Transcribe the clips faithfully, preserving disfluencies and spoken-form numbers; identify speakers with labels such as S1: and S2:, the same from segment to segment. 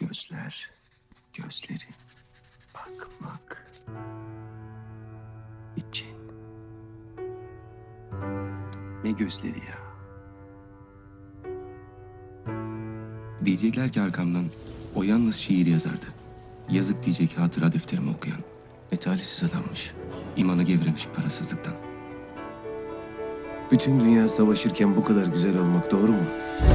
S1: Gözler, gözleri, bakmak için. Ne gözleri ya? Diyecekler ki arkamdan o yalnız şiir yazardı. Yazık diyecek hatıra defterimi okuyan. Ne talihsiz adammış. İmanı gevremiş parasızlıktan.
S2: Bütün dünya savaşırken bu kadar güzel olmak doğru mu?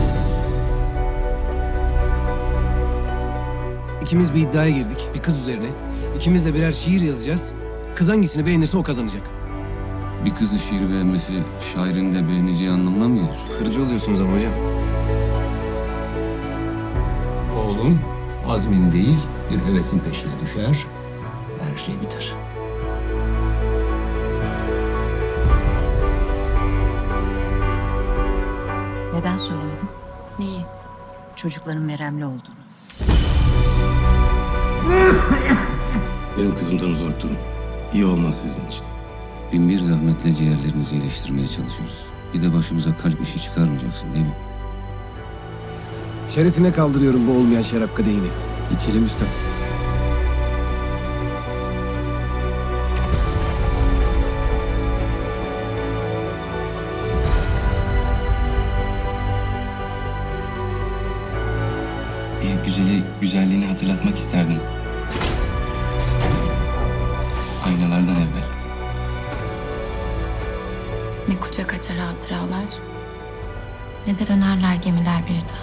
S2: İkimiz bir iddiaya girdik, bir kız üzerine. İkimiz de birer şiir yazacağız. Kız hangisini beğenirse o kazanacak.
S3: Bir kızı şiir beğenmesi şairin de beğeneceği anlamına mı gelir?
S2: Kırıcı oluyorsunuz ama hocam.
S4: Oğlum azmin değil bir hevesin peşine düşer, her şey biter.
S5: Neden söylemedin?
S6: Neyi?
S5: Çocukların meremli olduğunu.
S1: Benim kızımdan uzak durun. İyi olmaz sizin için.
S3: Bin bir zahmetle ciğerlerinizi iyileştirmeye çalışıyoruz. Bir de başımıza kalp işi çıkarmayacaksın değil mi?
S2: Şerefine kaldırıyorum bu olmayan şarap kadehini.
S1: İçelim üstad. Bir güzeli güzelliğini hatırlatmak isterdim. Aynalardan evvel.
S6: Ne kucak açar hatıralar, ne de dönerler gemiler bir daha.